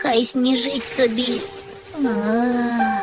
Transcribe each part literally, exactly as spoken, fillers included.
хай сніжить собі. А.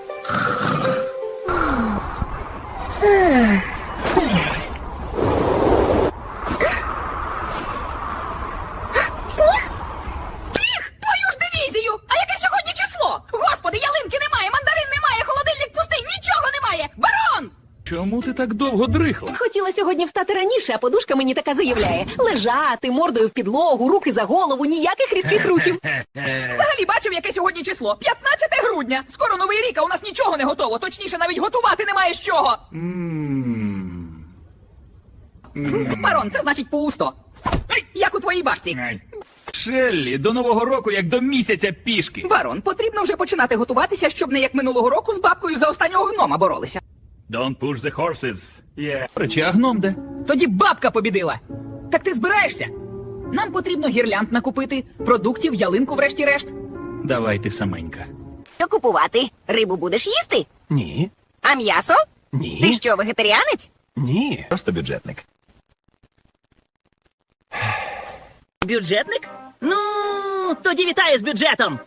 Сніг? Твою ж дивізію! А яке сьогодні число? Господи, ялинки немає, мандарин немає, холодильник пустий, нічого немає! Барон! Чому ти так довго дрихла? Хотіла сьогодні встати раніше, а подушка мені така заявляє. Лежати, мордою в підлогу, руки за голову, ніяких різких рухів. Взагалі бачив, яке сьогодні число? п'ятнадцяте грудня! Скоро Новий рік, а у нас нічого не готово. Точніше, навіть готувати немає з чого. М. Барон, це значить пусто. Як у твоїй башці. Ай. Шеллі, до Нового року як до місяця пішки. Барон, потрібно вже починати готуватися, щоб не як минулого року з бабкою за останнього гнома боролися. Don't push the horses. Yeah. Речі, а гном де? Тоді бабка побідила. Так ти збираєшся? Нам потрібно гірлянд накупити, продуктів, ялинку врешті-решт. Давай ти саменька. Що купувати? Рибу будеш їсти? Ні. А м'ясо? Ні. Ти що, вегетаріанець? Ні. Просто бюджетник. Бюджетник? Ну, тоді вітаю з бюджетом.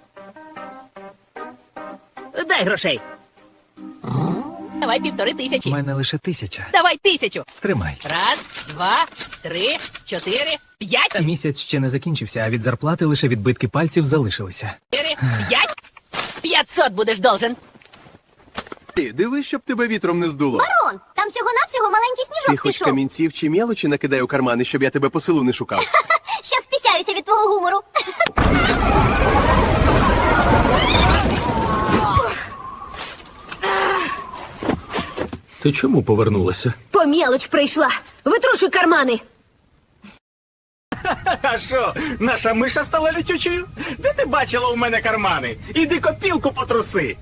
Дай грошей. Давай півтори У тисячі. мене лише тисяча. Давай тисячу. Тримай. Раз, два, три, чотири, п'ять, Місяць ще не закінчився, а від зарплати лише відбитки пальців залишилися. чотири, п'ять. П'ятсот будеш должен. Ти дивись, щоб тебе вітром не здуло. Барон, там всього-навсього маленький Ти сніжок хоч пішов. камінців чи мелочі накидай у кармани, щоб я тебе по селу не шукав. Щас пісяюся від твого гумору. Ти чому повернулася? По мелоч прийшла. Витрушуй кармани. А що, наша миша стала лютючою? Де ти бачила у мене кармани? Іди копілку потруси.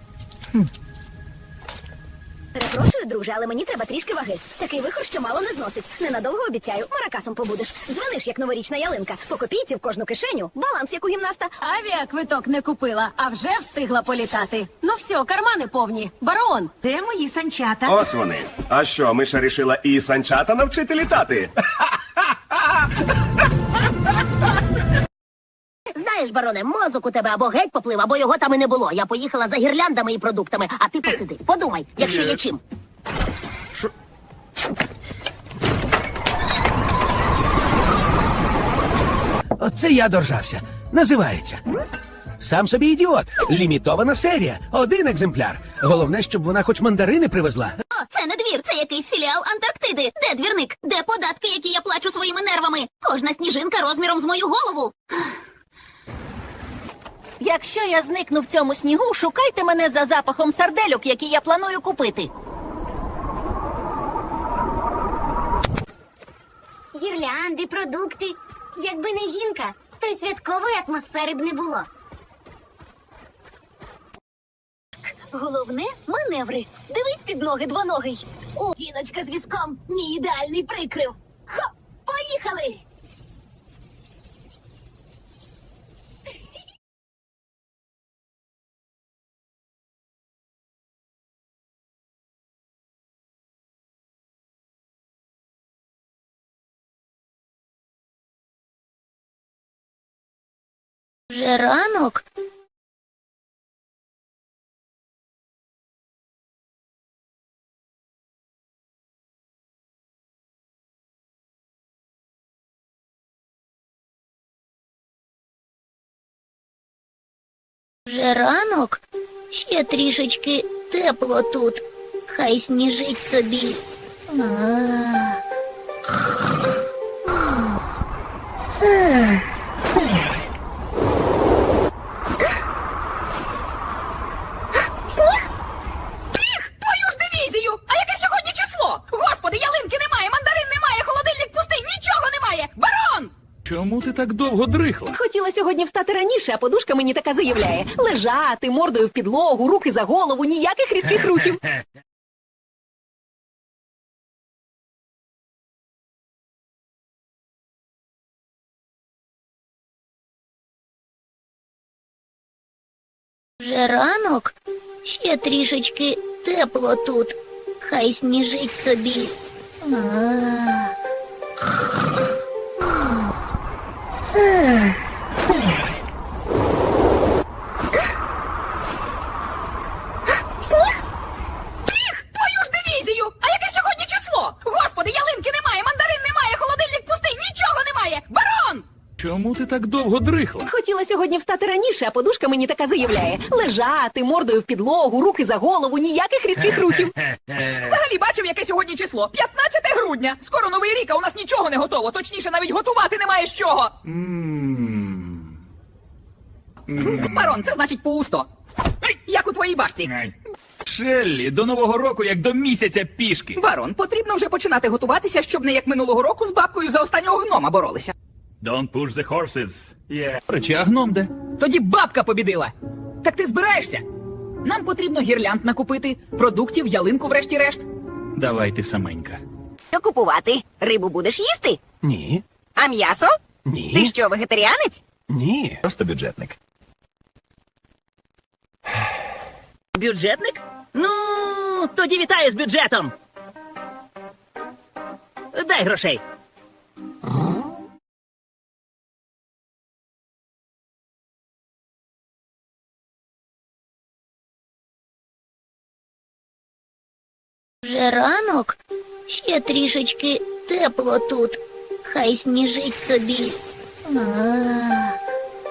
Перепрошую, друже, але мені треба трішки ваги. Такий вихор, що мало не зносить. Ненадовго обіцяю, маракасом побудеш. Дзвониш, як новорічна ялинка. По копійці в кожну кишеню. Баланс, як у гімнаста. Авіаквиток не купила, а вже встигла політати. Ну все, кармани повні. Барон! Де мої санчата? Ось вони. А що, Миша рішила і санчата навчити літати? Знаєш, бароне, мозок у тебе або геть поплив, або його там і не було. Я поїхала за гірляндами і продуктами, а ти посиди. Подумай, якщо є чим. Оце я доржався. Називається. Сам собі ідіот. Лімітована серія. Один екземпляр. Головне, щоб вона хоч мандарини привезла. О, це не двір, це якийсь філіал Антарктиди. Де двірник? Де податки, які я плачу своїми нервами? Кожна сніжинка розміром з мою голову. Якщо я зникну в цьому снігу, шукайте мене за запахом сардельок, які я планую купити. Гірлянди, продукти. Якби не жінка, то й святкової атмосфери б не було. Головне маневри. Дивись під ноги двоногий. О, жіночка з візком. Мій ідеальний прикрив. Хоп, поїхали! Вже ранок? Вже ранок? Ще трішечки тепло тут. Хай сніжить собі. А. Твою ж дивізію! А яке сьогодні число? Господи, ялинки немає, мандарин немає, холодильник пустий, нічого немає! Барон! Чому ти так довго дрихла? Хотіла сьогодні встати раніше, а подушка мені така заявляє. Лежати, мордою в підлогу, руки за голову, ніяких різких рухів. Вже ранок? Ще трішечки тепло тут. Хай сніжить собі. А. так довго дрихла? Хотіла сьогодні встати раніше, а подушка мені така заявляє: лежати, мордою в підлогу, руки за голову, ніяких різких рухів. Взагалі бачив, яке сьогодні число? п'ятнадцяте грудня. Скоро новий рік, а у нас нічого не готово. Точніше, навіть готувати немає з чого. Барон, це значить пусто. Як у твоїй башці. Шеллі, до нового року як до місяця пішки. Барон, потрібно вже починати готуватися, щоб не як минулого року з бабкою за останнього гнома боролися. Don't push the horses. Yeah. Речі, а гном де? Тоді бабка побідила. Так ти збираєшся? Нам потрібно гірлянд накупити, продуктів, ялинку врешті-решт. Давайте саменька. Що купувати? Рибу будеш їсти? Ні. А м'ясо? Ні. Ти що, вегетаріанець? Ні. Просто бюджетник. Бюджетник? Ну, тоді вітаю з бюджетом. Дай грошей. Вже ранок? Ще трішечки тепло тут. Хай сніжить собі. А,